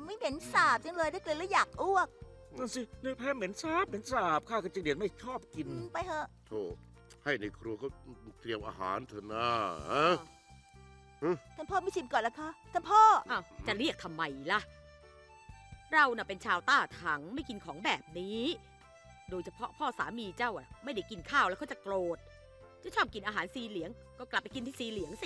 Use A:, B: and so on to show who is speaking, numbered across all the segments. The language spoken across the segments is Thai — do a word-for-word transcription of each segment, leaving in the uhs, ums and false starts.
A: ไม่เหม็นสาบจังเลยได้กลิ่นแล้วอยากอ้วก
B: นั่นสิเนื้อแพะเหม็นสาบเหม็นสาบข้ากับจิงเดียนไม่ชอบกิน
A: อืมไปเถอะ
C: โธ่ให้ในครัวเขาเตรียมอาหารเถอะนะฮะ
A: ท่านพ่อไม่ชิมก่อนละคะท่านพ่อ
D: อ้าวจะเรียกทำไมล่ะ เราน่ะเป็นชาวต้าถังไม่กินของแบบนี้ โดยเฉพาะพ่อสามีเจ้าอ่ะไม่ได้กินข้าวแล้วเขาจะโกรธ จะชอบกินอาหารซีเหลียง ก็กลับไปกินที่ซีเหลียงสิ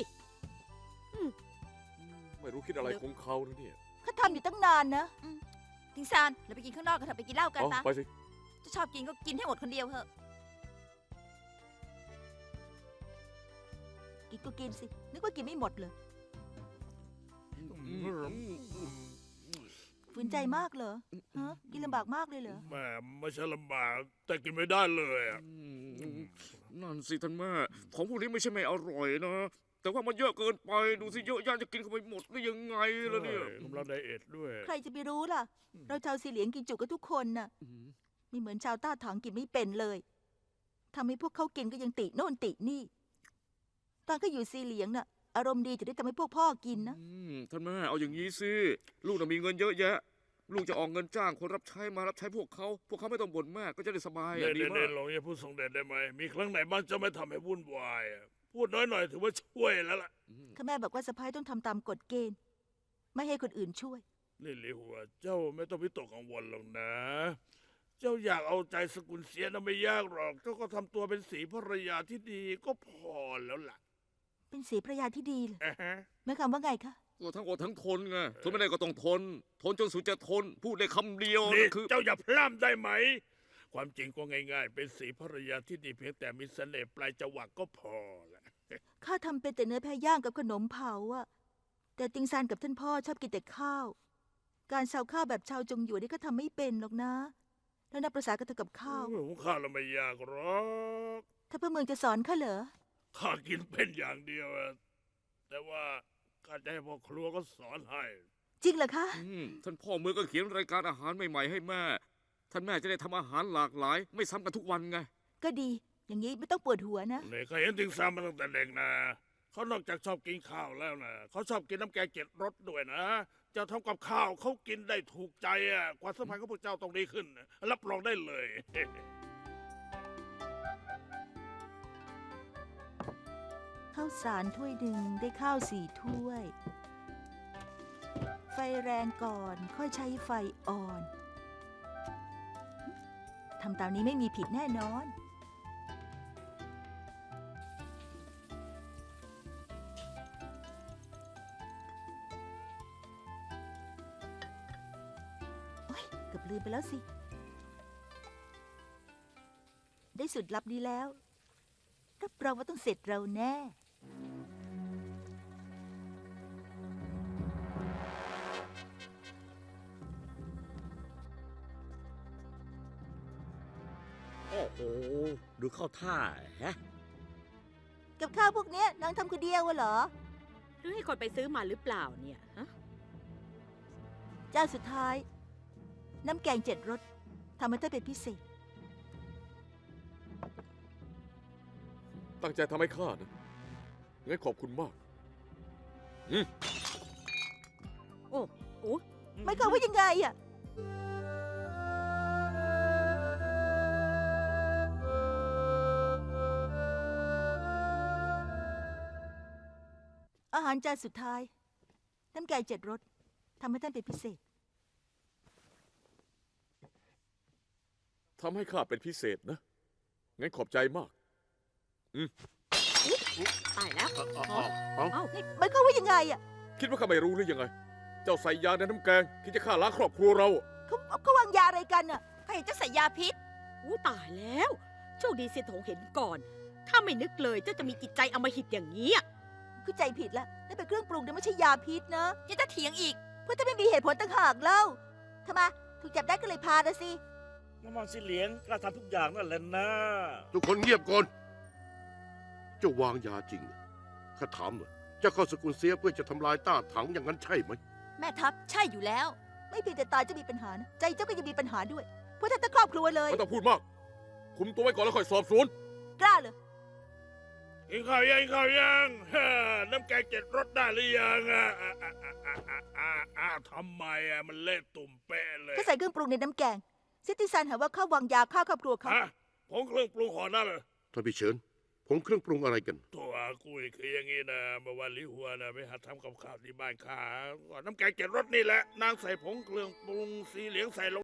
E: ไม่รู้คิดอะไรของเขานะเนี่ย
A: เขาทำอยู่ตั้งนานนะ
F: ทิงซานเราไปกินข้างนอกกันเถอะไปกินเหล้ากัน
E: เอา
F: ปะ
E: ไปสิ
F: จะชอบกินก็กินให้หมดคนเดียวเถอะ
A: กินก็กินสิ นึกว่ากินไม่หมดเลยฝืนใจมากเหรอฮะกินลำบากมากเลยเหรอ
G: แม่ไม่ใช่ลำบากแต่กินไม่ได้เลยอะ
B: นั่นสิท่านแม่ของพวกนี้ไม่ใช่ไม่อร่อยนะ แต่ว่ามันเยอะเกินไปดูสิเยอะย่านจะกินเข้าไปหมดได้ยังไงล่ะเนี่ย
G: กำลังไดเอทด้วย
A: ใครจะไปรู้ล่ะ เราชาวสีเหลียงกินจุกันทุกคนน่ะไม่เหมือนชาวต้าถังกินไม่เป็นเลยทำให้พวกเขากินก็ยังติโน่นตินี่ ตอนเขาอยู่สีเหลียงน่ะ อารมณ์ดีจะได้ทำให้พวกพ่อกินนะ
B: อืมท่านแม่เอาอย่างนี้สิลูกน่ะมีเงินเยอะแยะ ลูกจะออกเงินจ้างคนรับใช้มารับใช้พวกเขาพวกเขาไม่ต้องบ่นมากก็จะได้สบาย
G: เด่
B: อ่ะ
G: น
B: ดี
G: เด่น
B: มา
G: เด่
B: ก
G: นลองอย่าพูดส่งเด่นได้ไหมมีครั้งไหนบ้างจะไม่ทำให้วุ่นวายอะพูดน้อยหน่อยถือว่าช่วยแล้วล่ะ
A: ข้าแม่บอกว่าสะพ้ายต้องทำตามกฎเกณฑ์ ไม่ให้คนอื่นช่วย
G: นี่หลิหัวเจ้าไม่ต้องวิตกกังวลหรอกนะ เจ้าอยากเอาใจสกุลเสียนะไม่ยากหรอกเจ้าก็ทำตัวเป็นสีภรรยาที่ดีก็พอแล้วล่ะ
A: เป็นสีภรรยาที่ดีเลย
G: อ่าฮะ
A: หมายความว่าไงคะ
B: ก็ทั้งอดทั้งทนไงทนไม่ได้ก็ต้องทน ทนจนสุดจะทน พูดได้คำเดียว
G: นี่
B: คือ
G: เจ้าอย่าพร่ำได้ไหม ความจริงก็ง่ายๆ เป็นสีภรรยาที่ดีเพียงแต่มีเสน่ห์ปลายจวักก็พอละ
A: ข้าทำเป็นแต่เนื้อแพะย่างกับขนมเผาอะแต่ติงซานกับท่านพ่อชอบกินแต่ข้าว การชาวข้าวแบบชาวจงหยวนนี่ก็ทำไม่เป็นหรอกนะ แล้วนับประสากับเธอกับข้าว
G: หุงข้าวแล้วไม่ยากหรอก
A: ถ้าพระเมืองจะสอนข้าเหรอ
G: ข้ากินเป็นอย่างเดียวอะแต่ว่าข้าจะให้พ่อครัวก็สอนให้
A: จริงเหรอคะ
B: อืมท่านพ่อเมืองก็เขียนรายการอาหารใหม่ๆให้แม่ ท่านแม่จะได้ทำอาหารหลากหลาย ไม่ซ้ำกันทุกวันไง
A: ก็ดี อย่างนี้ไม่ต้องปวดหัวนะ
G: เนี่ยข้าเห็นถึงซ้ำมาตั้งแต่เด็กนะเขานอกจากชอบกินข้าวแล้วนะเขาชอบกินน้ำแกงเจ็ดรสด้วยนะเจ้าทำกับข้าวเขากินได้ถูกใจอ่ะความสัมพันธ์ของพวกเจ้าต้องดีขึ้นนะรับรองได้เลย
A: ข้าวสารถ้วยหนึ่งได้ข้าวสี่ถ้วย ไฟแรงก่อนค่อยใช้ไฟอ่อน ทำตามนี้ไม่มีผิดแน่นอน โอ๊ยเกือบลืมไปแล้วสิ ได้สูตรลับนี้แล้ว รับรองว่าต้องเสร็จเราแน่
B: โอ้โหดูเข้าท่าฮะ
A: กับข้าวพวกเนี้ยนางทำคนเดียวเหรอ
D: หรือให้คนไปซื้อมาหรือเปล่าเนี่ยฮะ
A: เจ้าสุดท้าย น้ำแกงเจ็ดรสทำให้เธอเป็นพิเศษ
E: ตั้งใจทำให้ข้านะงั้นขอบคุณมาก
D: โอ้โอ้
A: ไม่เข้ามว่ายังไงอะอาหารจานสุดท้าย น้ำแกงเจ็ดรสทำให้ท่านเป็นพิเศษ
E: ทำให้ข้าเป็นพิเศษนะ งั้นขอบใจมาก
D: ตายแล้ว
C: เอาเอาเอา
D: เอ้า
A: นี่ไม่เข้ามว่ายังไงอะ
E: คิดว่าข้าไม่รู้หรือยังไง เจ้าใส่ยาในน้ำแกงที่จะฆ่าล้างครอบครัวเรา
A: เขาเขาวางยาอะไรกันอะ
F: ข้าเห็นเจ้าใส่ยาพิษ
D: อู้ตายแล้ว โชคดีเสียถงเห็นก่อน ถ้าไม่นึกเลยเจ้าจะมีจิตใจอำมหิตอย่างนี้อะ
A: คือใจผิดแล้วนั่นเป็นเครื่องปรุงแต่ไม่ใช่ยาพิษนะ
F: ยังจะเถียงอีก
A: เพราะถ้าไม่มีเหตุผลต่างหากเล่าทำไมถูกจับได้ก็เลยพานะสิ
B: น้ำมันสีเหลียงกล้าทำทุกอย่างนั่นแหละนะ
C: ทุกคนเงียบก่อน เจ้าวางยาจริงเหรอข้าถามหน่อยเจ้าเข้าสกุลเสียเพื่อจะทำลายต้าถังอย่างนั้นใช่ไหม
F: แม่ทัพใช่อยู่แล้ว
A: ไม่เพียงแต่ตายจะมีปัญหานะใจเจ้าก็ยังมีปัญหาด้วย เพราะท่านทั้งครอบครัวเลย
E: ไม่ต้องพูดมาก คุมตัวไว้ก่อนแล้วค่อยสอบสวน
A: กล้าเลย
G: กินข้าวยังกินข้าวยังฮ่าน้ำแกงเจ็ดรสได้หรือยังอ่ะอ่ะอ่ะอ่ะอ่ะอ่ะอ่ะทำไมอ่ะมันเละตุ่มเป๊ะเลย
A: เขาใส่เครื่องปรุงในน้ำแกงซิติซันหาว่าข้าววางยาฆ่าครอบครัวเขา
G: ฮะผงเครื่องปรุงห่อนั่นเหรอ
C: ท่านพี่เฉินผงเครื่องปรุงอะไรกัน
G: ตัวกุยคืออย่างนี้นะเมื่อวันลิหัวนะไปหัดทำกับข้าวที่บ้านข้าก่อนน้ำแกงเจ็ดรสนี่แหละนางใส่ผงเครื่องปรุงสีเหลืองใส่ลง